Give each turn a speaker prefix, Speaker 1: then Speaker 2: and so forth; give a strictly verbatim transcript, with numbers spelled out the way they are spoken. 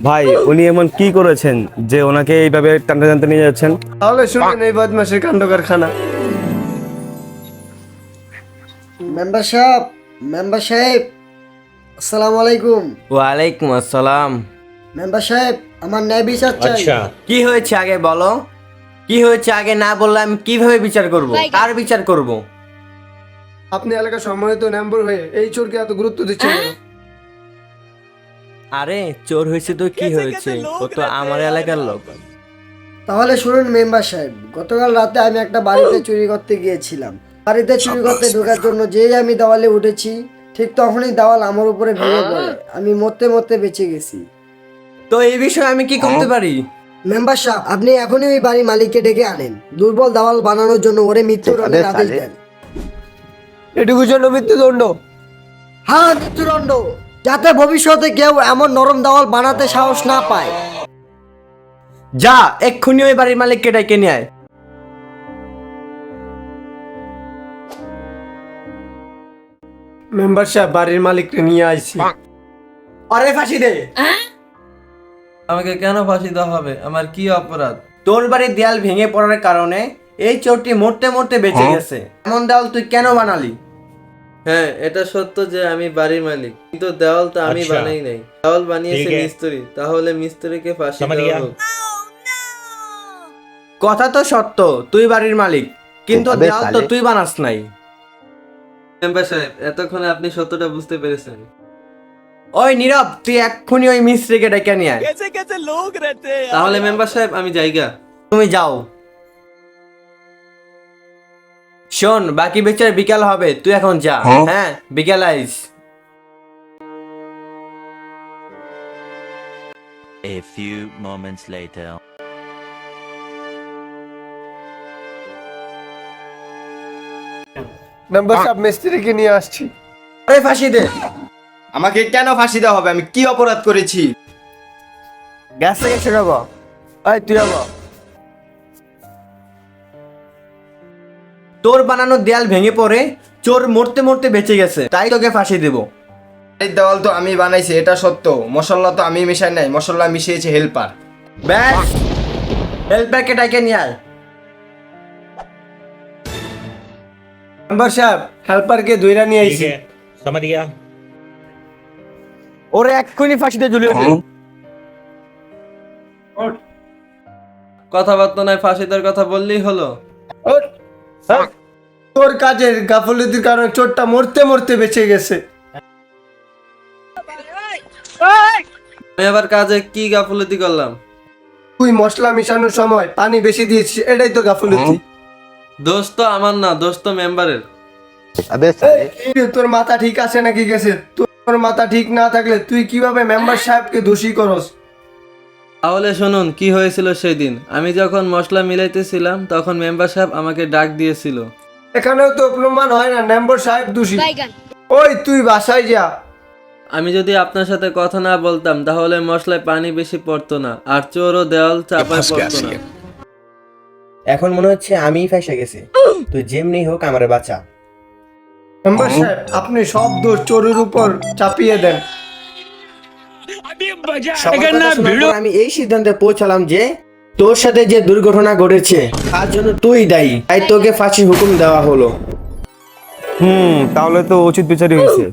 Speaker 1: ভাই উনি এমন কি করেছেন যে ওনাকে এইভাবে টানতে টানতে নিয়ে যাচ্ছেন?
Speaker 2: তাহলে শুনুন এই বদমাশের কাণ্ড কারখানা।
Speaker 3: মেম্বার সাহেব মেম্বার সাহেব আসসালামু আলাইকুম।
Speaker 4: ওয়ালাইকুম আসসালাম।
Speaker 3: মেম্বার সাহেব আমার ন্যায় বিচার চাই।
Speaker 4: কি হয়েছে আগে বলো, কি হয়েছে আগে না বললে আমি কিভাবে বিচার করব? কার বিচার করব?
Speaker 2: আপনি এলাকার সম্মানিত মেম্বার হয়ে এই চোরকে এত গুরুত্ব দিচ্ছেন কেন?
Speaker 4: আরে চোর হয়েছে তো কি হয়েছে, ও তো আমার এলাকার লোক।
Speaker 3: তাহলে শুনুন মেম্বার সাহেব, গতকাল রাতে আমি একটা বাড়িতে চুরি করতে গিয়েছিলাম। বাড়িতে চুরি করতে ঢোকার জন্য যেই আমি দেওয়ালে উঠেছি, ঠিক তখনই দেওয়াল আমার উপরে ভেঙে পড়ে। আমি মরতে মরতে বেঁচে গেছি।
Speaker 4: তো এই বিষয়ে আমি কি করতে পারি?
Speaker 3: মেম্বার সাহেব আপনি এখনই ওই বাড়ির মালিককে ডেকে আনেন, দুর্বল দেওয়াল বানানোর জন্য ওরে মৃত্যুদণ্ডের আদেশ দেন।
Speaker 2: এটুকু জন্য মৃত্যুদণ্ড?
Speaker 3: হ্যাঁ মৃত্যুদণ্ড, যাতে ভবিষ্যতে কেউ এমন নরম দেওয়াল বানাতে সাহস না পায়।
Speaker 4: যা এক্ষুনি ওই বাড়ির মালিককে ডেকে নিয়ে আয়।
Speaker 2: মেম্বার সাহেব বাড়ির মালিককে নিয়ে আইছি।
Speaker 4: আরে ফাঁসি দে।
Speaker 5: আমাকে কেন ফাঁসি দেওয়া হবে? আমার কি অপরাধ?
Speaker 4: তোর বাড়ির দেয়াল ভেঙে পড়ার কারণে এই চোরটি মরতে মরতে বেঁচে গেছে। এমন দেওয়াল তুই কেন বানালি?
Speaker 5: হ্যাঁ, এটা সত্য যে আমি বাড়ির মালিক, কিন্তু দেওয়াল তো আমি বানাই নাই, দেওয়াল বানিয়েছে মিস্ত্রি। তাহলে মিস্ত্রিকে ফাঁসি দেওয়া হোক।
Speaker 4: কথা তো সত্য, তুই বাড়ির মালিক, কিন্তু দেওয়াল তো তুই বানাস নাই।
Speaker 5: মেম্বার সাহেব, এতক্ষণে আপনি সত্যটা বুঝতে পেরেছেন।
Speaker 4: ওই নীরব, তুই এক্ষুনি ওই মিস্ত্রিকে ডেকে নিয়ে আয়।
Speaker 5: তাহলে মেম্বার সাহেব আমি যাইগা।
Speaker 4: তুমি যাও। শোন, বাকি বিচার বিকাল হবে, তুই এখন যা। হ্যাঁ, বিকাল আইস।
Speaker 6: A few moments later.
Speaker 2: Member সাহেব মিস্ত্রিকে নিয়ে আসছি।
Speaker 4: আরে ফাঁসি দে।
Speaker 7: আমাকে কেন ফাঁসি দেওয়া হবে? আমি কি অপরাধ করেছি?
Speaker 4: গ্যাস থেকে শুরু কর।
Speaker 2: এই তুই আবার।
Speaker 4: তোর বানানো দেয়াল ভেঙে পড়ে চোর মরতে মরতে বেঁচে গেছে, তাই তোকে ফাঁসি দেব।
Speaker 7: এই দেওয়াল তো আমি বানাইছি, এটা সত্য। মশলা তো আমি মিশাই নাই, মশলা মিশিয়েছে হেল্পার।
Speaker 4: ব্যাস, হেল্পারকে ডাকে নিয়ে আয়।
Speaker 2: মেম্বার সাহেব হেল্পারকে ধইরা নিয়ে আইছি।
Speaker 8: समझ गया।
Speaker 4: ওরে এক্ষুনি ফাঁসিতে ঝুলিয়ে দে।
Speaker 5: কথাবার্তা নয়, ফাঁসি দেওয়ার কথা বললেই হলো।
Speaker 2: ওঠ। হ্যাঁ? তোর কাজের গাফলতির কারণে চোরটা মরতে মরতে বেঁচে গেছে।
Speaker 5: আমি আবার কাজে কি গাফলতি করলাম?
Speaker 2: তুই মশলা মিশানোর সময় পানি বেশি দিয়েছিস, এটাই তো গাফলতি।
Speaker 5: দোষ তো আমার না, দোষ তো মেম্বারের।
Speaker 2: এই, তোর মাথা ঠিক আছে নাকি গেছে? তোর মাথা ঠিক না থাকলে তুই কিভাবে মেম্বার সাহেবকে দোষী করস?
Speaker 5: তাহলে শুনুন কি হয়েছিল সেই দিন। আমি যখন মশলা মিলাইতেছিলাম তখন মেম্বার সাহেব আমাকে ডাক দিয়েছিল।
Speaker 2: এখানেও তো প্রমাণ হয় না মেম্বার সাহেব দোষী। ওই তুই বাসায় যা।
Speaker 5: আমি যদি আপনার সাথে কথা না বলতাম তাহলে মশলায় পানি বেশি পড়তো না, আর চোরও দেওয়াল চাপায় পড়তো না।
Speaker 4: এখন মনে হচ্ছে আমিই ফেঁসে গেছি। তুই যেমনি হোক আমারে বাঁচা।
Speaker 2: মেম্বার সাহেব আপনি সব দোষ চোরের উপর চাপিয়ে দেন।
Speaker 4: সবার কথা শোনার পর আমি এই সিদ্ধান্তে পৌঁছালাম যে তোর সাথে যে দুর্ঘটনা ঘটেছে তার জন্য তুই দায়ী, তাই তোকে ফাঁসির হুকুম দেওয়া হলো।
Speaker 1: হুম, তাহলে তো উচিত বিচারই হয়েছে।